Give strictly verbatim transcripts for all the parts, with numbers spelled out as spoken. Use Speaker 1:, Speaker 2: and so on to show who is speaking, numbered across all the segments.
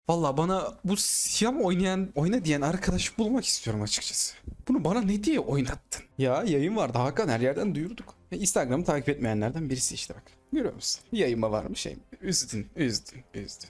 Speaker 1: Valla bana bu Siyam oynayan, oyna diyen arkadaş bulmak istiyorum açıkçası. Bunu bana ne diye oynattın? Ya yayın vardı Hakan, her yerden duyurduk. Ya Instagram'ı takip etmeyenlerden birisi işte bak. Görüyor musun? Yayınma varmış şey. Üzdün, üzdün, üzdün.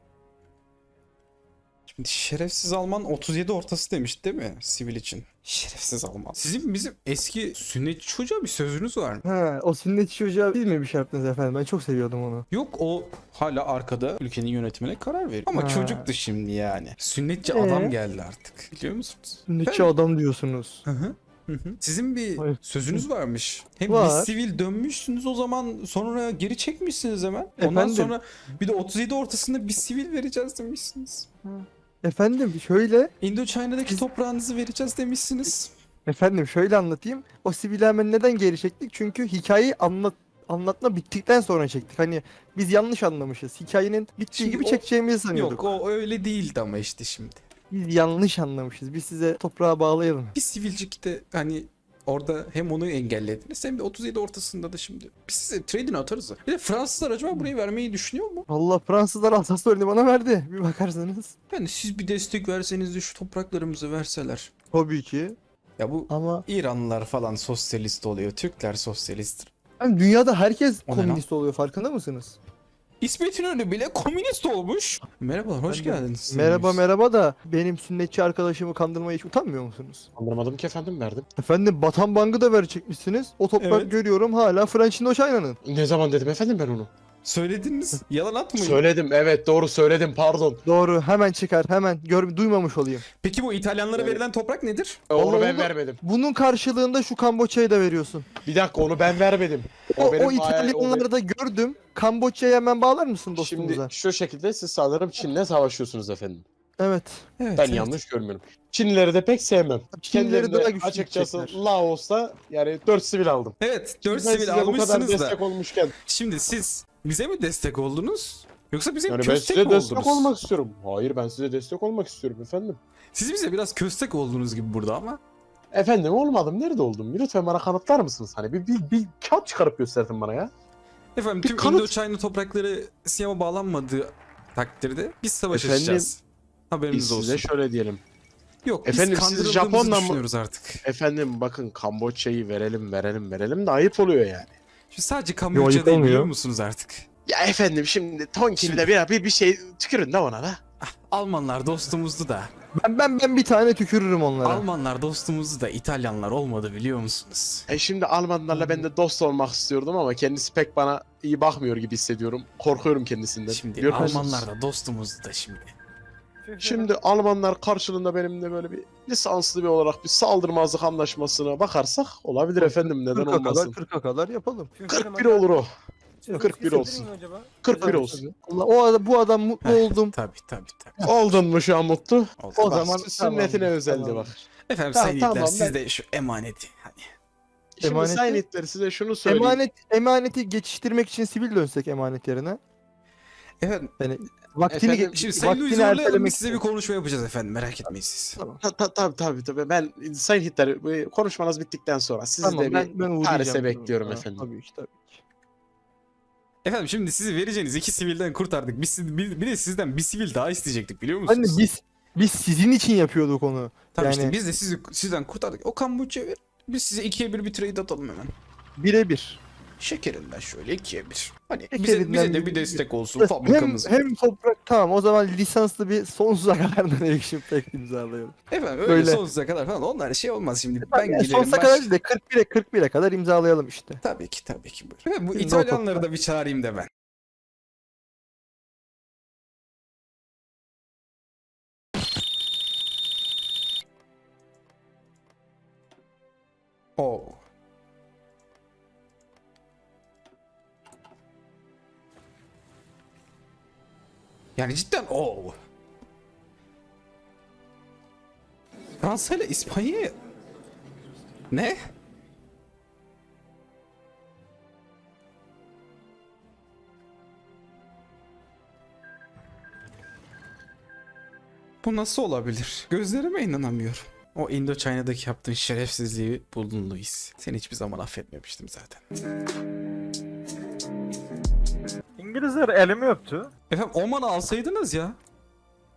Speaker 1: Şimdi şerefsiz Alman otuz yedi ortası demiş değil mi sivil için? Şerefsiz Alman. Sizin bizim eski sünnetçi çocuğa bir sözünüz var mı?
Speaker 2: Ha, o sünnetçi çocuğa biz mi bir şey yaptınız efendim? Ben çok seviyordum onu.
Speaker 1: Yok, o hala arkada ülkenin yönetimine karar veriyor. Ama
Speaker 2: Ha.
Speaker 1: çocuktu şimdi yani. Sünnetçi
Speaker 2: Ee?
Speaker 1: adam geldi artık. Biliyor musunuz?
Speaker 2: Sünnetçi
Speaker 1: Ben-
Speaker 2: adam diyorsunuz.
Speaker 1: Hı hı. Hı hı. Sizin bir
Speaker 2: Hayır.
Speaker 1: sözünüz varmış. Hem
Speaker 2: Var.
Speaker 1: bir sivil dönmüşsünüz o zaman, sonra geri çekmişsiniz hemen. Ondan
Speaker 2: Efendim?
Speaker 1: sonra bir de otuz yedi ortasında bir sivil vereceğiz demişsiniz.
Speaker 2: Efendim şöyle,
Speaker 1: Indochina'daki toprağınızı vereceğiz demişsiniz.
Speaker 2: efendim şöyle anlatayım. O sivili hemen neden geri çektik? Çünkü hikayeyi anlat anlatma bittikten sonra çektik. Hani biz yanlış anlamışız. Hikayenin bittiği
Speaker 1: Şimdi
Speaker 2: gibi
Speaker 1: o-
Speaker 2: çekeceğimizi sanıyorduk.
Speaker 1: Yok, o öyle değildi ama işte şimdi.
Speaker 2: Biz yanlış anlamışız. Biz size toprağa bağlayalım.
Speaker 1: Bir sivilcikte hani orada hem onu engellediniz hem de otuz yedi ortasında da şimdi. Biz size trade'ini atarız da. Bir de Fransızlar acaba burayı vermeyi düşünüyor mu?
Speaker 2: Vallahi Fransızlar Alsas'ı bana verdi. Bir bakarsanız.
Speaker 1: Yani siz bir destek verseniz de şu topraklarımızı verseler.
Speaker 2: Tabii ki.
Speaker 1: Ya bu
Speaker 2: Ama
Speaker 1: İranlılar falan sosyalist oluyor. Türkler sosyalist.
Speaker 2: hani dünyada herkes
Speaker 1: O ne lan?
Speaker 2: komünist oluyor, farkında mısınız?
Speaker 1: İsmet İnönü bile komünist olmuş. Merhabalar, hoş
Speaker 2: Ben de-
Speaker 1: geldiniz.
Speaker 2: Merhaba merhaba da benim sünnetçi arkadaşımı kandırmaya hiç utanmıyor musunuz?
Speaker 3: Kandırmadım ki efendim, verdim.
Speaker 2: Efendim Batan Bank'ı da verecekmişsiniz. O toprak
Speaker 1: Evet.
Speaker 2: görüyorum hala French Indochina'nın.
Speaker 3: Ne zaman dedim efendim ben onu?
Speaker 1: Söylediniz. Yalan atmayın.
Speaker 3: Söyledim, evet doğru söyledim, pardon.
Speaker 2: Doğru, hemen çıkar, hemen gör, duymamış olayım.
Speaker 1: Peki bu İtalyanlara
Speaker 3: Evet.
Speaker 1: verilen toprak nedir?
Speaker 3: Onu
Speaker 2: Vallahi
Speaker 3: ben
Speaker 2: onu-
Speaker 3: vermedim.
Speaker 2: Bunun karşılığında şu Kamboçya'yı da veriyorsun.
Speaker 3: Bir dakika, onu ben vermedim.
Speaker 2: O, o,
Speaker 3: benim-
Speaker 2: İtalyanları
Speaker 3: o
Speaker 2: da gördüm. Kamboçya'yı hemen bağlar mısın
Speaker 3: benim-
Speaker 2: dostumuza?
Speaker 3: Şimdi şu şekilde siz sanırım Çin'le savaşıyorsunuz efendim.
Speaker 2: Evet.
Speaker 1: Evet.
Speaker 3: Ben
Speaker 1: evet.
Speaker 3: yanlış görmüyorum. Çinlileri de pek sevmem.
Speaker 2: Çinlileri
Speaker 3: Kendilerine
Speaker 2: daha güçlü
Speaker 3: açıkçası
Speaker 2: gidecekler.
Speaker 3: Laos'ta yani dört sivil aldım.
Speaker 1: Evet,
Speaker 3: Şimdi
Speaker 1: dört
Speaker 3: ben
Speaker 1: sivil
Speaker 3: size bu kadar
Speaker 1: almışsınız da.
Speaker 3: destek olmuşken.
Speaker 1: Şimdi siz bize mi destek oldunuz? Yoksa bize
Speaker 3: Yani ben
Speaker 1: köstek
Speaker 3: size
Speaker 1: mi
Speaker 3: destek
Speaker 1: oldunuz?
Speaker 3: olmak istiyorum. Hayır, ben size destek olmak istiyorum efendim.
Speaker 1: Siz bize biraz köstek oldunuz gibi burada ama.
Speaker 3: Efendim olmadım, nerede oldum? Lütfen bana kanıtlar mısınız? Hani bir, bir, bir kağıt çıkarıp gösterdin bana ya.
Speaker 1: Efendim
Speaker 3: Bir
Speaker 1: tüm
Speaker 3: kanıt-
Speaker 1: Indochina toprakları Siyam'a bağlanmadığı takdirde biz savaş
Speaker 3: Efendim,
Speaker 1: açacağız. Haberiniz
Speaker 3: Biz
Speaker 1: olsun.
Speaker 3: size şöyle diyelim.
Speaker 1: Yok,
Speaker 3: Efendim,
Speaker 1: biz
Speaker 3: siz
Speaker 1: kandırıldığımızı
Speaker 3: Japon'la mı-
Speaker 1: düşünüyoruz artık.
Speaker 3: Efendim bakın, Kamboçya'yı verelim verelim verelim de ayıp oluyor yani.
Speaker 1: Şimdi sadece
Speaker 2: Yo,
Speaker 1: Kamboçya
Speaker 2: ayıp
Speaker 1: değil,
Speaker 2: olmuyor.
Speaker 1: biliyor musunuz artık?
Speaker 3: Ya efendim şimdi Tonkin'de
Speaker 1: Şimdi-
Speaker 3: bir, bir, bir şey tükürün de ona da.
Speaker 1: Almanlar dostumuzdu da.
Speaker 2: Ben ben ben bir tane tükürürüm onlara.
Speaker 1: Almanlar dostumuzdu da İtalyanlar olmadı, biliyor musunuz?
Speaker 3: E şimdi Almanlarla ben de dost olmak istiyordum ama kendisi pek bana iyi bakmıyor gibi hissediyorum. Korkuyorum kendisinden.
Speaker 1: Şimdi
Speaker 3: Biliyor musunuz?
Speaker 1: Almanlar da dostumuzdu da şimdi.
Speaker 3: Şimdi Almanlar karşılığında benimle böyle bir lisanslı bir olarak bir saldırmazlık anlaşmasına bakarsak olabilir efendim, neden
Speaker 2: kırka
Speaker 3: olmasın.
Speaker 2: kadar kırka kadar yapalım.
Speaker 3: kırk bir olur o. kırk bir olsun. kırk bir olsun.
Speaker 2: Allah, o adam, bu adam mutlu
Speaker 1: Heh,
Speaker 2: oldum.
Speaker 1: Tabii tabii tabii.
Speaker 3: Oldun mu şu an mutlu?
Speaker 1: Oldu.
Speaker 2: O
Speaker 3: Bak,
Speaker 2: zaman
Speaker 3: sünnetine
Speaker 2: tamam,
Speaker 3: özeldi
Speaker 2: tamam.
Speaker 3: bak.
Speaker 1: Efendim
Speaker 3: Tamam,
Speaker 1: sayın
Speaker 3: tamam,
Speaker 1: yiğitler,
Speaker 3: ben-
Speaker 1: siz de şu emaneti hani.
Speaker 3: Şimdi
Speaker 2: Emaneti-
Speaker 3: sayın itleri size şunu söyleyeyim.
Speaker 2: Emanet emaneti geçiştirmek için sivil dönsek emanet yerine.
Speaker 1: Efendim
Speaker 2: Yani vaktini
Speaker 3: Efendim,
Speaker 2: ge-
Speaker 1: şimdi Sayın Louis
Speaker 2: vaktini
Speaker 1: zorlayalım,
Speaker 2: ertelemek
Speaker 1: biz size bir
Speaker 2: için.
Speaker 1: konuşma yapacağız efendim, merak etmeyin siz.
Speaker 2: Tamam.
Speaker 3: Ta, ta, tabii tabii tabii. Ben sayın hitler bu konuşmanız bittikten sonra sizi
Speaker 2: Tamam,
Speaker 3: de bir
Speaker 2: ben ben uğrayacağım.
Speaker 3: Paris'e bekliyorum
Speaker 2: Ha,
Speaker 3: efendim.
Speaker 2: Tabii ki tabii ki.
Speaker 1: Efendim şimdi sizi vereceğiniz iki sivilden kurtardık. Biz siz- bir, bir de sizden bir sivil daha isteyecektik, biliyor
Speaker 2: Hani
Speaker 1: musunuz?
Speaker 2: biz biz sizin için yapıyorduk onu.
Speaker 1: Tabii işte
Speaker 2: yani-
Speaker 1: biz de sizi sizden kurtardık. O Kamboçya ver. Biz size ikiye bir bir trade atalım hemen.
Speaker 2: Birebir.
Speaker 1: Şekerinden şöyle ikiye bir. Hani bize,
Speaker 2: Şekerinden
Speaker 1: bize de
Speaker 2: bir-
Speaker 1: bir destek olsun
Speaker 2: Hem,
Speaker 1: fabrikamız.
Speaker 2: hem toprak, tamam, o zaman lisanslı bir sonsuza kadar Nation Pact imzalayalım.
Speaker 1: Efendim öyle
Speaker 2: Böyle.
Speaker 1: sonsuza kadar falan onlar şey olmaz şimdi. Ben
Speaker 2: Ben yani
Speaker 1: giderim
Speaker 2: sonsuza
Speaker 1: baş...
Speaker 2: kadar değil de kırk bire kırk bire kadar imzalayalım işte.
Speaker 1: Tabii ki tabii ki. Buyurun. Efendim, bu
Speaker 2: Şimdi o
Speaker 1: İtalyanları
Speaker 2: toprak-
Speaker 1: da bir çağırayım da ben. Oo. Yani cidden o. Fransa ile İspanya. Ne? Bu nasıl olabilir? Gözlerime inanamıyorum. O Indochina'daki yaptığın şerefsizliği buldun Louis. Seni hiçbir zaman affetmemiştim zaten.
Speaker 4: İngilizler elimi öptü.
Speaker 1: Efendim Oman'ı alsaydınız ya.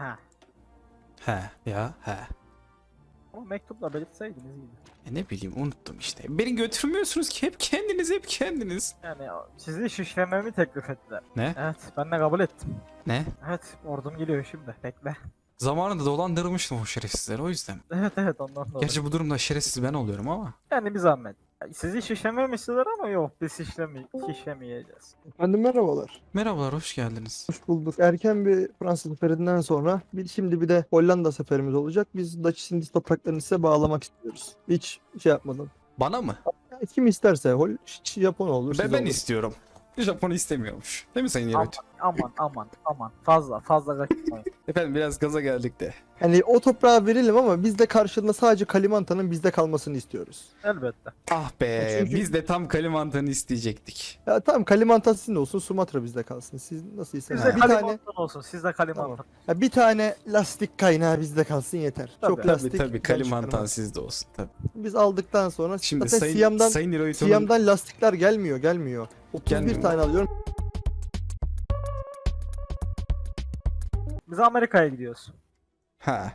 Speaker 4: Ha.
Speaker 1: He ya he.
Speaker 4: Ama mektupla belirtseydiniz iyiydi.
Speaker 1: E ne bileyim unuttum işte. Beni götürmüyorsunuz ki hep kendiniz hep kendiniz.
Speaker 4: Yani o- sizi şişlememi teklif ettiler.
Speaker 1: Ne?
Speaker 4: Evet ben de kabul ettim.
Speaker 1: Ne?
Speaker 4: Evet ordum geliyor şimdi. Bekle.
Speaker 1: Zamanında dolandırmıştım o şerefsizleri o yüzden.
Speaker 4: Evet evet ondan dolayı.
Speaker 1: Gerçi bu durumda şerefsiz ben oluyorum ama.
Speaker 4: Yani bir zahmet. Sizi şişlememi istediler ama yok biz şişleme şişlemeyeceğiz.
Speaker 2: Efendim merhabalar.
Speaker 1: Merhabalar hoş geldiniz.
Speaker 2: Hoş bulduk. Erken bir Fransa seferinden sonra bir, şimdi bir de Hollanda seferimiz olacak. Biz Dutch Indies topraklarını size bağlamak istiyoruz. Hiç şey yapmadan.
Speaker 1: Bana mı?
Speaker 2: Ya kim isterse Hol Japon olur.
Speaker 1: Ben,
Speaker 2: siz
Speaker 1: ben
Speaker 2: olur.
Speaker 1: istiyorum. Japon'u istemiyormuş. Değil mi Sayın Yevet?
Speaker 4: Aman aman aman fazla fazla kaçmayın.
Speaker 1: Efendim biraz gaza geldik de.
Speaker 2: Hani o toprağa verelim ama biz de karşılığında sadece Kalimantan'ın bizde kalmasını istiyoruz.
Speaker 4: Elbette.
Speaker 1: Ah be
Speaker 2: Çünkü-
Speaker 1: biz de tam Kalimantan'ı isteyecektik.
Speaker 2: Ya tamam Kalimantan sizin de olsun, Sumatra bizde kalsın. Siz nasıl isterseniz.
Speaker 4: Sizde
Speaker 2: Bir tane
Speaker 4: Kalimantan olsun. Sizde Kalimantan.
Speaker 2: Tamam. ya bir tane lastik kaynağı bizde kalsın yeter.
Speaker 4: Tabii.
Speaker 2: Çok
Speaker 1: Tabii
Speaker 2: lastik.
Speaker 1: tabii
Speaker 2: güzel
Speaker 1: Kalimantan
Speaker 2: çıkarmaz.
Speaker 1: sizde olsun tabii.
Speaker 2: Biz aldıktan sonra
Speaker 1: Şimdi
Speaker 2: zaten
Speaker 1: Sayın,
Speaker 2: Siyam'dan
Speaker 1: Sayın Hirohito'nun
Speaker 2: Siyam'dan lastikler gelmiyor, gelmiyor. otuz bir
Speaker 1: Gelmiyor.
Speaker 2: tane alıyorum.
Speaker 4: Biz Amerika'ya gidiyoruz.
Speaker 1: Ha.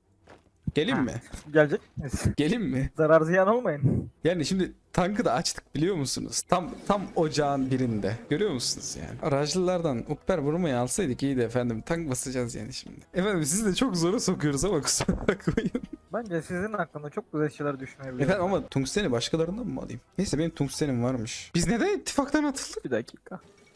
Speaker 1: Gelin
Speaker 4: Ha.
Speaker 1: mi?
Speaker 4: Gelecek misiniz?
Speaker 1: Gelin mi?
Speaker 4: Zarar ziyan olmayın.
Speaker 1: Yani şimdi tankı da açtık biliyor musunuz? Tam tam ocağın birinde. Görüyor musunuz yani? Aracılılardan Upper vurmayı alsaydık iyiydi efendim. Tank basacağız yani şimdi. Efendim sizi de çok zora sokuyoruz ama kusura bakmayın.
Speaker 4: Bence sizin hakkında çok güzel şeyler düşünebilirim.
Speaker 1: Efendim ama tungsteni başkalarından mı alayım? Neyse benim tungstenim varmış. Biz neden ittifaktan atıldık?
Speaker 4: Bir dakika.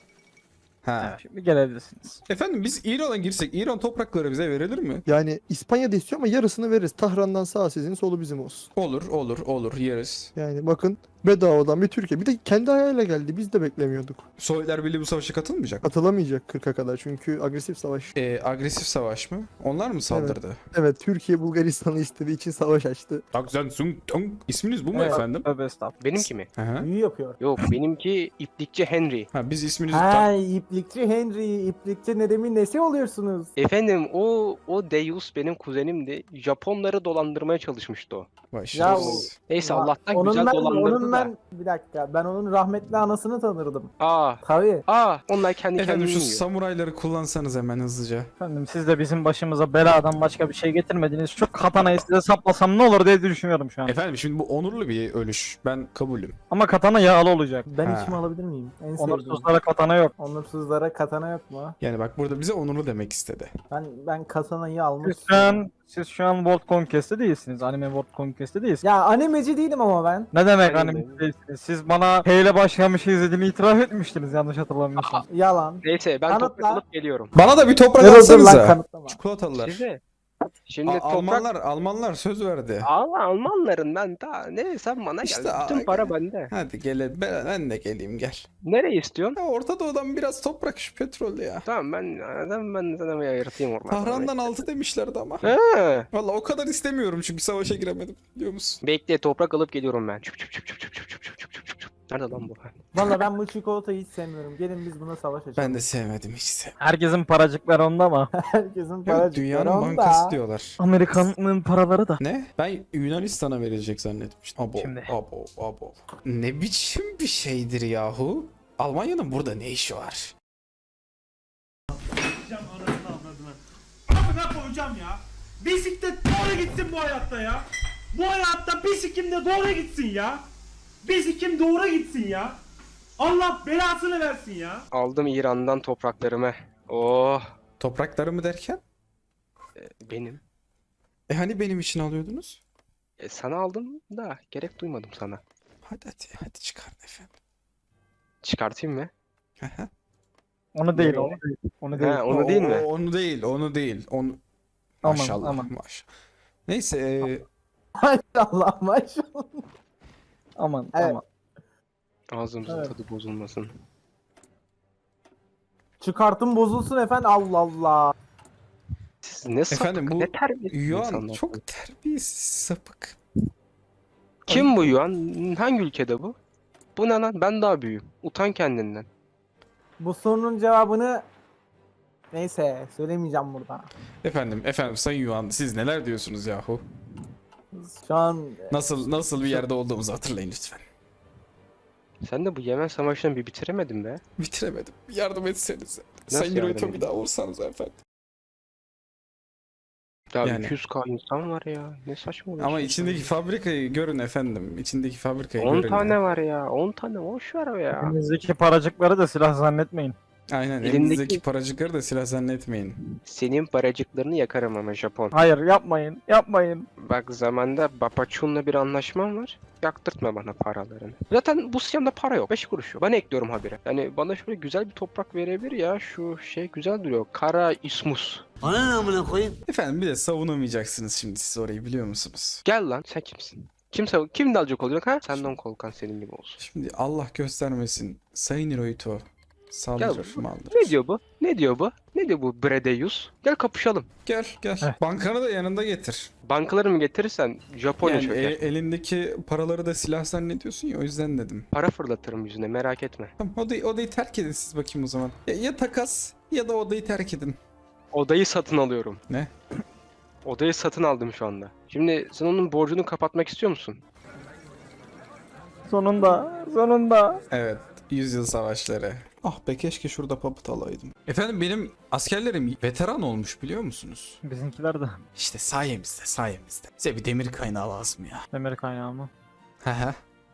Speaker 1: Ha.
Speaker 4: Evet, şimdi gelebilirsiniz.
Speaker 1: Efendim biz İran'a girsek İran toprakları bize verilir mi?
Speaker 2: Yani İspanya'da istiyor ama yarısını veririz. Tahran'dan sağ sizin, solu bizim olsun.
Speaker 1: Olur olur olur yeriz.
Speaker 2: Yani bakın bedavadan bir Türkiye. Bir de kendi ayağıyla geldi. Biz de beklemiyorduk.
Speaker 1: Sovyetler Birliği bu savaşa katılmayacak.
Speaker 2: Katılamayacak kırka kadar çünkü agresif savaş.
Speaker 1: Ee, agresif savaş mı? Onlar mı saldırdı?
Speaker 2: Evet, Türkiye Bulgaristan'ı istediği için savaş açtı.
Speaker 1: Takzen Sung Tung. İsminiz bu mu
Speaker 4: Evet.
Speaker 1: efendim?
Speaker 4: Tövbe estağfurullah.
Speaker 5: Benimki mi?
Speaker 1: Hı hı.
Speaker 6: Büyü yapıyor.
Speaker 5: Yok benimki iplikçi Henry.
Speaker 1: Ha biz isminizi
Speaker 6: Ha,
Speaker 1: tam...
Speaker 6: iplikçi Henry, iplikçi Nedim'in nesi oluyorsunuz?
Speaker 5: Efendim o o Deus benim kuzenimdi. Japonları dolandırmaya çalışmıştı o.
Speaker 1: Vay
Speaker 6: Ya o-
Speaker 1: şerefsiz.
Speaker 5: Neyse
Speaker 6: Ama
Speaker 5: Allah'tan
Speaker 6: onun
Speaker 5: güzel
Speaker 6: ben,
Speaker 5: dolandırdı
Speaker 6: onun
Speaker 5: da.
Speaker 6: ben, bir dakika, ben onun rahmetli anasını tanırdım.
Speaker 5: Aa,
Speaker 6: Tabii.
Speaker 5: aa onlar kendi
Speaker 1: Efendim
Speaker 5: kendini
Speaker 1: şu
Speaker 5: yiyor.
Speaker 1: samurayları kullansanız hemen hızlıca.
Speaker 4: Efendim siz de bizim başımıza beladan başka bir şey getirmediniz. Şu katanayı size saplasam ne olur diye düşünüyorum şu an.
Speaker 1: Efendim şimdi bu onurlu bir ölüş. Ben kabulüm.
Speaker 4: Ama katana yağlı olacak.
Speaker 6: Ben
Speaker 1: Ha.
Speaker 6: içimi alabilir miyim? En sevdiğim.
Speaker 4: Onursuzlara katana yok.
Speaker 6: Onursuzlara katana yok mu?
Speaker 1: Yani bak burada bize onurlu demek istedi.
Speaker 6: Ben ben katanayı almak
Speaker 4: Siz şu an, siz şu an World Conquest'te değilsiniz. Anime World Conquest'te değilsiniz.
Speaker 6: Ya animeci değilim ama ben.
Speaker 4: Ne demek
Speaker 5: Aynen
Speaker 4: anime
Speaker 5: öyle.
Speaker 4: değilsiniz? Siz bana H ile başlayan bir şey izlediğini itiraf etmiştiniz yanlış hatırlamıyorsam.
Speaker 6: Yalan.
Speaker 5: Neyse ben
Speaker 6: Kanıtla.
Speaker 5: toprak alıp geliyorum.
Speaker 1: Bana da bir toprak
Speaker 6: Dur dur lan
Speaker 1: atsanıza.
Speaker 6: kanıtlama.
Speaker 1: Çikolatalılar.
Speaker 5: Size. Şimdi
Speaker 1: A-
Speaker 5: toprak...
Speaker 1: Almanlar Almanlar söz verdi.
Speaker 5: Al Almanların ben daha ne sen bana
Speaker 1: İşte
Speaker 5: gel. Bütün
Speaker 1: a-
Speaker 5: para bende.
Speaker 1: Hadi gel ben, ben de geleyim gel.
Speaker 5: Nereye istiyorsun?
Speaker 1: Ya Orta Doğu'dan biraz toprak şu petrol ya.
Speaker 5: Tamam ben ben ben sana bir ayırtayım ormanı.
Speaker 1: Tahran'dan altı demişlerdi ama.
Speaker 5: He.
Speaker 1: Valla o kadar istemiyorum çünkü savaşa giremedim biliyor musun?
Speaker 5: Bekle toprak alıp geliyorum ben. Çup çup çup çup çup çup çup çup çup çup çup. Nerede lan bu?
Speaker 6: Valla ben bu çikolatayı hiç sevmiyorum. Gelin biz buna savaş açalım.
Speaker 1: Ben de sevmedim hiç sevmedim.
Speaker 4: Herkesin paracıkları onda ama
Speaker 6: Herkesin
Speaker 1: Evet,
Speaker 6: paracıkları
Speaker 1: dünyanın
Speaker 6: onda.
Speaker 1: bankası diyorlar.
Speaker 4: Amerikan'ın paraları da.
Speaker 1: Ne? Ben Yunanistan'a verecek zannetmiştim. Abo,
Speaker 4: Şimdi.
Speaker 1: abo, abo. Ne biçim bir şeydir yahu? Almanya'nın burada ne işi var?
Speaker 7: Koyacağım anasını avradını. Amına koyacağım ya. Bisiklet doğru gitsin bu hayatta ya. Bu hayatta bisikim de doğru gitsin ya. Bisikim doğru gitsin ya. Allah belasını versin ya.
Speaker 5: Aldım İran'dan topraklarımı. Oh
Speaker 1: Toprakları mı derken?
Speaker 5: benim.
Speaker 1: E hani benim için alıyordunuz?
Speaker 5: E, sana aldım da gerek duymadım sana.
Speaker 1: Hadi hadi hadi çıkarın efendim.
Speaker 5: Çıkartayım mı?
Speaker 1: Aha.
Speaker 4: Onu değil,
Speaker 5: Nereye?
Speaker 4: onu değil. Onu değil.
Speaker 5: He onu değil
Speaker 1: O-
Speaker 5: mi?
Speaker 1: o- Onu değil, onu değil. Onu...
Speaker 4: Aman,
Speaker 1: Maşallah,
Speaker 4: aman.
Speaker 1: maşallah. Neyse, e,
Speaker 6: Maşallah maşallah.
Speaker 4: Aman
Speaker 6: Evet.
Speaker 4: aman.
Speaker 5: Ağzımızın
Speaker 6: Evet.
Speaker 5: tadı bozulmasın.
Speaker 6: Çıkartım bozulsun efendim. Allah Allah.
Speaker 5: Siz ne sapık,
Speaker 1: efendim bu
Speaker 5: ne terbiyesiz
Speaker 1: Yuan
Speaker 5: insanlar.
Speaker 1: çok terbiyesiz, sapık.
Speaker 5: Kim bu Yuan? Hangi ülkede bu? Bu ne lan? Ben daha büyüğüm. Utan kendinden.
Speaker 6: Bu sorunun cevabını neyse söylemeyeceğim burada.
Speaker 1: Efendim, efendim Sayın Yuan siz neler diyorsunuz yahu?
Speaker 6: Şu an
Speaker 1: Nasıl nasıl bir yerde olduğumuzu hatırlayın lütfen.
Speaker 5: Sen de bu Yemen Savaşı'nı bir bitiremedin be.
Speaker 1: Bitiremedim. Yardım etsenize.
Speaker 5: Nasıl
Speaker 1: Sayın
Speaker 5: yardım
Speaker 1: Hirohito bir
Speaker 5: edeyim?
Speaker 1: daha vursanız efendim.
Speaker 5: Ya
Speaker 1: Yani.
Speaker 5: iki yüz K insan var ya. Ne saçma oluyor.
Speaker 1: Ama içindeki fabrikayı görün efendim. İçindeki fabrikayı
Speaker 5: on
Speaker 1: görün.
Speaker 5: tane
Speaker 1: ya.
Speaker 5: var ya. on tane boş ver o ya.
Speaker 4: Elinizdeki paracıkları da silah zannetmeyin.
Speaker 1: Aynen
Speaker 5: Elindeki-
Speaker 1: elinizdeki paracıkları da silah zannetmeyin.
Speaker 5: Senin paracıklarını yakarım ama Japon.
Speaker 4: Hayır yapmayın, yapmayın.
Speaker 5: Bak zamanda Bapaçun'la bir anlaşmam var. Yaktırtma bana paralarını. Zaten bu siyamda para yok. beş kuruş yok. Ben ekliyorum habire. Yani bana şöyle güzel bir toprak verebilir ya. Şu şey güzel duruyor. Kara ismus.
Speaker 1: Efendim bir de savunamayacaksınız şimdi siz orayı biliyor musunuz?
Speaker 5: Gel lan sen kimsin? Kim sav- kim dalacak olacak ha? Senden Kolkan senin gibi olsun.
Speaker 1: Şimdi Allah göstermesin Sayın Hirohito saldırır
Speaker 5: Gel,
Speaker 1: maldırır.
Speaker 5: Ne diyor bu? Ne diyor bu? Ne diyor bu Bredeus? Gel kapışalım.
Speaker 1: Gel gel.
Speaker 4: Heh.
Speaker 1: Bankanı da yanında getir.
Speaker 5: Bankaları mı getirirsen Japonya
Speaker 1: Yani
Speaker 5: çöker.
Speaker 1: e- elindeki paraları da silah zannediyorsun ya o yüzden dedim.
Speaker 5: Para fırlatırım yüzüne merak etme.
Speaker 1: Tamam odayı, odayı terk edin siz bakayım o zaman. Ya, ya takas ya da odayı terk edin.
Speaker 5: Odayı satın alıyorum.
Speaker 1: Ne?
Speaker 5: Odayı satın aldım şu anda. Şimdi sen onun borcunu kapatmak istiyor musun?
Speaker 4: Sonunda, sonunda.
Speaker 1: Evet. Yüzyıl savaşları. Ah be keşke şurada papıt alaydım. Efendim benim askerlerim veteran olmuş biliyor musunuz?
Speaker 4: Bizimkiler de
Speaker 1: İşte sayemizde sayemizde. Size bir demir kaynağı lazım ya.
Speaker 4: demir kaynağı mı?
Speaker 1: Hehe.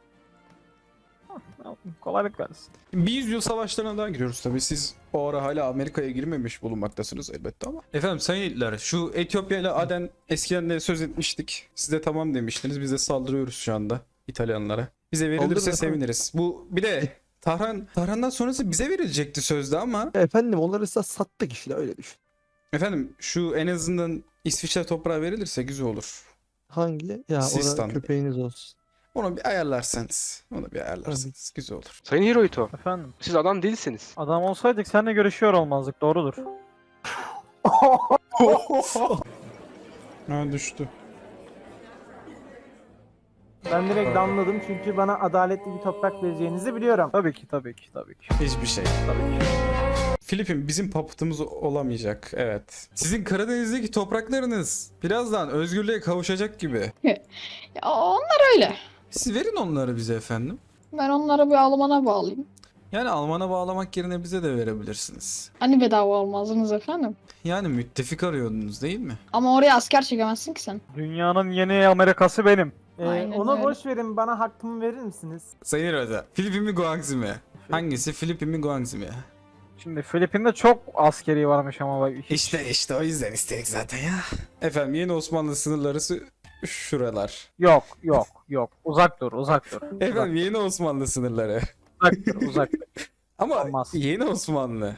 Speaker 4: Kolaylık versin.
Speaker 1: Bir yüzyıl savaşlarına daha giriyoruz tabii. Siz o ara hala Amerika'ya girmemiş bulunmaktasınız elbette ama. Efendim sayın Hitler, şu Etiyopya ile Aden eskiden de söz etmiştik. Siz de tamam demiştiniz. Biz de saldırıyoruz şu anda İtalyanlara. Bize verilirse
Speaker 2: Saldırın efendim.
Speaker 1: seviniriz. Bu bir de Tahran, Tahran'dan sonrası bize verilecekti sözde ama.
Speaker 2: Efendim onları ise sattık işte öyle düşün.
Speaker 1: Efendim şu en azından İsviçre toprağı verilirse güzel olur.
Speaker 2: Hangi? Ya
Speaker 1: Sistan.
Speaker 2: orada köpeğiniz olsun.
Speaker 1: Onu bir ayarlarsanız. Onu bir ayarlarsanız güzel olur.
Speaker 5: Sayın Hirohito,
Speaker 4: Efendim,
Speaker 5: siz adam değilsiniz.
Speaker 4: adam olsaydık seninle görüşüyor olmazdık, doğrudur.
Speaker 1: Ha düştü.
Speaker 6: Ben direkt anladım çünkü bana adaletli bir toprak vereceğinizi biliyorum.
Speaker 4: Tabii ki, tabii ki, tabii ki.
Speaker 1: Hiçbir şey.
Speaker 4: Tabii ki.
Speaker 1: Filipin bizim papıtımız olamayacak. Evet. Sizin Karadeniz'deki topraklarınız birazdan özgürlüğe kavuşacak gibi.
Speaker 8: Ya onlar öyle.
Speaker 1: Siz verin onları bize efendim.
Speaker 8: Ben onları bir Alman'a bağlayayım.
Speaker 1: Yani Alman'a bağlamak yerine bize de verebilirsiniz.
Speaker 8: Hani bedava olmazdınız efendim.
Speaker 1: Yani müttefik arıyordunuz değil mi?
Speaker 8: Ama oraya asker çekemezsin ki sen.
Speaker 4: Dünyanın yeni Amerikası benim.
Speaker 6: Ee,
Speaker 8: Aynen
Speaker 6: ona
Speaker 8: öyle.
Speaker 6: boş verin, bana hakkımı verir misiniz?
Speaker 1: Sayın Rada. Filipin mi Guangxi mi? Hangisi Filipin mi Guangxi mi?
Speaker 4: Şimdi Filipin'de çok askeri varmış ama bak. hiç-
Speaker 1: İşte işte o yüzden istedik zaten ya. Efendim yeni Osmanlı sınırları sı- şuralar.
Speaker 4: Yok, yok, yok. Uzak dur, uzak dur. Uzak,
Speaker 1: Efendim yeni Osmanlı sınırları.
Speaker 4: uzak dur, uzak dur.
Speaker 1: Ama
Speaker 4: Olmaz.
Speaker 1: yeni Osmanlı.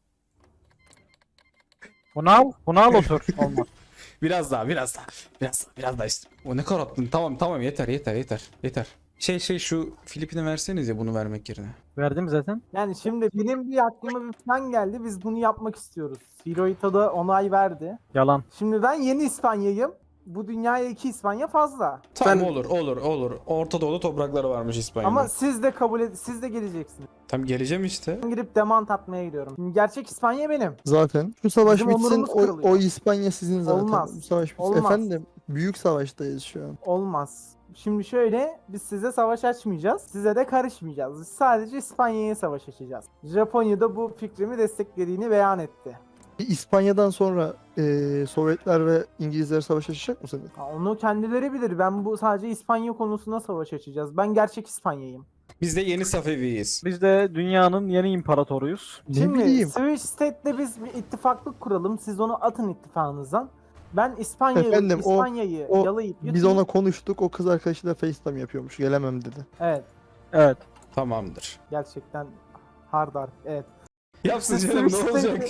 Speaker 4: Bunu al, bunu al otur. Olmaz.
Speaker 1: Biraz daha, biraz daha. Biraz daha, biraz daha işte. O ne kadar attın? Tamam, tamam yeter, yeter, yeter. Yeter. Şey şey şu Filipin'e verseniz ya bunu vermek yerine.
Speaker 4: Verdim zaten.
Speaker 6: Yani şimdi benim bir aklıma bir plan geldi. Biz bunu yapmak istiyoruz. Hirohito da onay verdi.
Speaker 4: Yalan.
Speaker 6: Şimdi ben yeni İspanya'yım. Bu dünyaya iki İspanya fazla.
Speaker 1: Tamam olur, olur, olur. Orta Doğu'da toprakları varmış İspanya'nın.
Speaker 6: Ama siz de kabul ed siz de geleceksiniz.
Speaker 1: Tam geleceğim işte.
Speaker 6: Ben gidip demant atmaya gidiyorum. Şimdi gerçek İspanya benim.
Speaker 2: Zaten. Şu savaş
Speaker 6: Bizim
Speaker 2: bitsin
Speaker 6: onurumuz
Speaker 2: o,
Speaker 6: kırılıyor.
Speaker 2: o İspanya sizin zaten.
Speaker 6: Olmaz.
Speaker 2: Bu savaş bitsin.
Speaker 6: Olmaz.
Speaker 2: Efendim büyük savaştayız şu an.
Speaker 6: Olmaz. Şimdi şöyle, biz size savaş açmayacağız. Size de karışmayacağız. Biz sadece İspanya'ya savaş açacağız. Japonya da bu fikrimi desteklediğini beyan etti.
Speaker 2: İspanya'dan sonra eee, Sovyetler ve İngilizler savaş açacak mı seni?
Speaker 6: Ha, onu kendileri bilir. Ben bu sadece İspanya konusunda savaş açacağız. Ben gerçek İspanya'yım.
Speaker 1: Biz de yeni Safeviyiz.
Speaker 4: Biz de dünyanın yeni imparatoruyuz.
Speaker 2: Ne
Speaker 6: Şimdi
Speaker 2: bileyim.
Speaker 6: Switch State'le biz bir ittifaklık kuralım. Siz onu atın ittifakınızdan. Ben İspanya'yı
Speaker 2: Efendim, o-
Speaker 6: İspanya'yı
Speaker 2: o-
Speaker 6: yalayıp
Speaker 2: Biz
Speaker 6: yutayım.
Speaker 2: ona konuştuk. O kız arkadaşıyla FaceTime yapıyormuş. Gelemem dedi.
Speaker 6: Evet.
Speaker 4: Evet.
Speaker 1: Tamamdır.
Speaker 6: Gerçekten hard art. Evet.
Speaker 1: Yapsın
Speaker 6: Siz
Speaker 1: canım ne
Speaker 6: Switch
Speaker 1: olacak?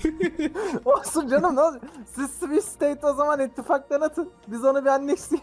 Speaker 6: Olsun canım, ne olacak? Siz Switch State o zaman ittifaktan atın. Biz onu bir annexleyelim.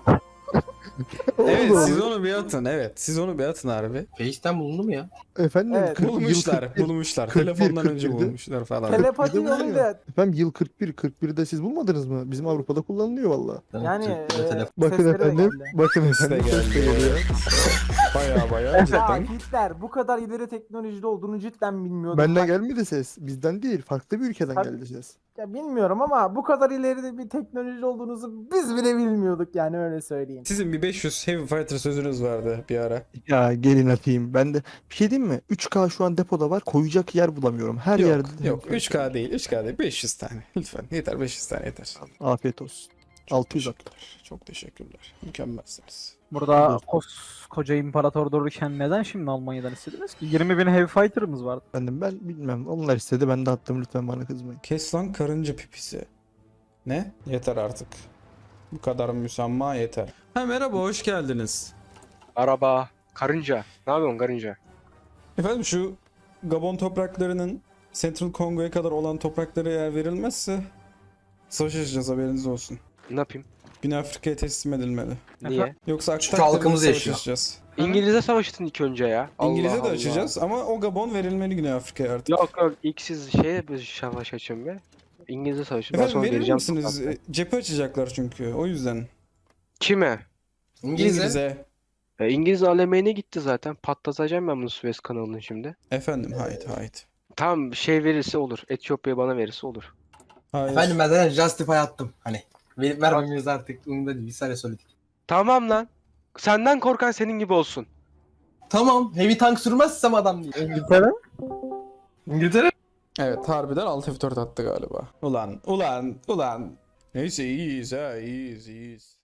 Speaker 1: Evet
Speaker 2: Oğlum.
Speaker 1: siz onu bir atın evet. Siz onu bir atın harbi.
Speaker 9: Face'ten bulundu mu ya?
Speaker 2: Efendim
Speaker 6: Evet.
Speaker 2: kırk- yıl
Speaker 1: Bulmuşlar
Speaker 2: kırk bir.
Speaker 1: bulmuşlar.
Speaker 2: kırk bir,
Speaker 1: Telefondan önce
Speaker 2: kırk birde.
Speaker 1: bulmuşlar falan.
Speaker 6: Telepati
Speaker 2: Bir de bu
Speaker 6: yoluyla
Speaker 2: ya. Efendim yıl kırk bir. kırk birde siz bulmadınız mı? Bizim Avrupa'da kullanılıyor valla.
Speaker 6: yani e,
Speaker 2: Bakın
Speaker 6: sesleri de
Speaker 2: efendim.
Speaker 6: geldi.
Speaker 2: Bakın
Speaker 1: Ses de
Speaker 2: efendim. ses de
Speaker 1: geldi.
Speaker 2: geliyor.
Speaker 1: Baya baya
Speaker 6: Ya
Speaker 1: cidden.
Speaker 6: Hitler bu kadar ileri teknolojide olduğunu cidden bilmiyordum.
Speaker 2: Benden
Speaker 6: Bak,
Speaker 2: gelmedi ses. Bizden değil. Farklı bir ülkeden
Speaker 6: Tabii.
Speaker 2: geldi ses.
Speaker 6: ya bilmiyorum ama bu kadar ileride bir teknoloji olduğunuzu biz bile bilmiyorduk, yani öyle söyleyeyim.
Speaker 1: Sizin bir beş yüz Heavy Fighter sözünüz vardı bir ara.
Speaker 2: Ya gelin atayım. Ben de bir şey diyeyim mi? üç K şu an depoda var. Koyacak yer bulamıyorum. Her
Speaker 1: Yok
Speaker 2: yerde.
Speaker 1: yok üç K değil üç K değil beş yüz tane. Lütfen yeter beş yüz tane yeter.
Speaker 2: Afiyet olsun.
Speaker 1: Çok
Speaker 2: altı yüz at.
Speaker 1: teşekkürler. Çok teşekkürler. Mükemmelsiniz.
Speaker 4: Burada koskoca imparator dururken neden şimdi Almanya'dan istediniz ki? yirmi bin heavy fighter'ımız vardı.
Speaker 2: Efendim ben bilmem. Onlar istedi ben de attım, lütfen bana kızmayın.
Speaker 1: Kes lan karınca pipisi. Ne? Yeter artık. Bu kadar müsamma yeter. Ha merhaba, hoş geldiniz.
Speaker 5: Araba, karınca. Ne yapıyorsun karınca?
Speaker 1: Efendim şu Gabon topraklarının Central Kongo'ya kadar olan topraklara eğer verilmezse savaş açacağız, haberiniz olsun.
Speaker 5: Ne yapayım?
Speaker 1: Güney Afrika'ya teslim edilmeli.
Speaker 5: Niye?
Speaker 1: Yoksa
Speaker 9: Çünkü
Speaker 1: Aktak'ta
Speaker 9: halkımız
Speaker 1: savaş
Speaker 9: yaşıyor.
Speaker 1: açacağız.
Speaker 5: İngiliz'e savaştın ilk önce ya. Allah
Speaker 1: İngiliz'e de
Speaker 5: Allah.
Speaker 1: açacağız ama o Gabon verilmeli Güney Afrika'ya artık.
Speaker 5: Yok yok ilk siz şeye bir savaş açın be. İngiliz'e savaşın. Ben
Speaker 1: Efendim
Speaker 5: sonra
Speaker 1: verir
Speaker 5: geleceğim.
Speaker 1: misiniz?
Speaker 5: sokakta.
Speaker 1: E, Cephe açacaklar çünkü o yüzden.
Speaker 5: Kime?
Speaker 9: İngilizce.
Speaker 5: E, İngiliz alemeğine gitti zaten. Patlatacağım ben bunu Suez kanalını şimdi.
Speaker 1: Efendim hayt hayt.
Speaker 5: Tam şey verirse olur. Etiyopya bana verirse olur.
Speaker 1: Hayır.
Speaker 9: Efendim ben zaten Justify attım. Hani verip vermemiz artık umurumda değil. Bir saniye söyledik.
Speaker 5: Tamam lan. Senden korkan senin gibi olsun.
Speaker 9: Tamam. Heavy tank sürmezsem adam değil.
Speaker 4: İngiltere?
Speaker 9: İngiltere.
Speaker 1: Evet harbiden alt F dört attı galiba. Ulan ulan ulan. Neyse iyiyiz ha iyiyiz iyiyiz.